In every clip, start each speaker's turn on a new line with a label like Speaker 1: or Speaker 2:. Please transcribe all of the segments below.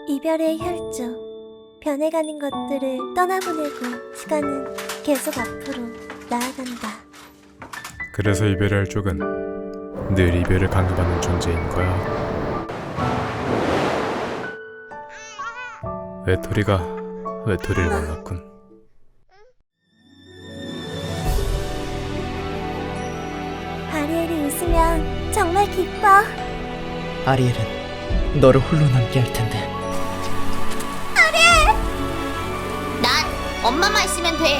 Speaker 1: 이별의 혈중, 변해가는 것들을 떠나보내고 시간은 계속 앞으로 나아간다.
Speaker 2: 그래서 이별의 쪽은 늘 이별을 강요받는 존재인 거야. 외톨이가 외톨이를 만났군.
Speaker 1: 아리엘이 웃으면 정말 기뻐.
Speaker 3: 아리엘은 너를 홀로 남게 할 텐데.
Speaker 4: 난 엄마만 있으면 돼.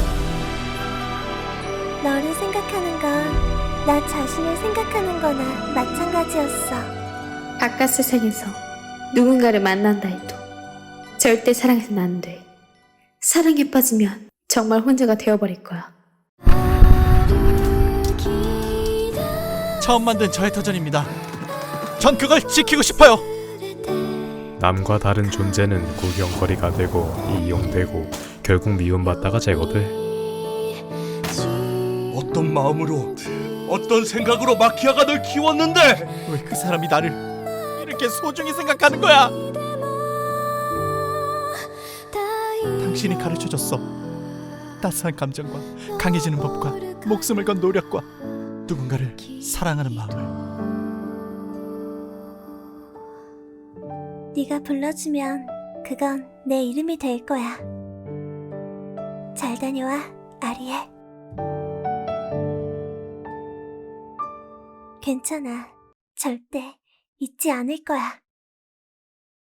Speaker 1: 너를 생각하는 건 나 자신을 생각하는 거나 마찬가지였어.
Speaker 5: 바깥 세상에서 누군가를 만난다 해도 절대 사랑해서는 안 돼. 사랑에 빠지면 정말 혼자가 되어버릴 거야.
Speaker 6: 처음 만든 저의터전입니다. 전 그걸 지키고 싶어요.
Speaker 2: 남과 다른 존재는 구경거리가 되고 이용되고 결국 미움받다가 제거돼.
Speaker 7: 어떤 마음으로, 어떤 생각으로 마키아가 널 키웠는데
Speaker 6: 왜 그 사람이 나를 이렇게 소중히 생각하는 거야? 당신이 가르쳐줬어. 따스한 감정과 강해지는 법과 목숨을 건 노력과 누군가를 사랑하는 마음을.
Speaker 1: 네가 불러주면 그건 내 이름이 될 거야. 잘 다녀와, 아리엘. 괜찮아. 절대 잊지 않을 거야.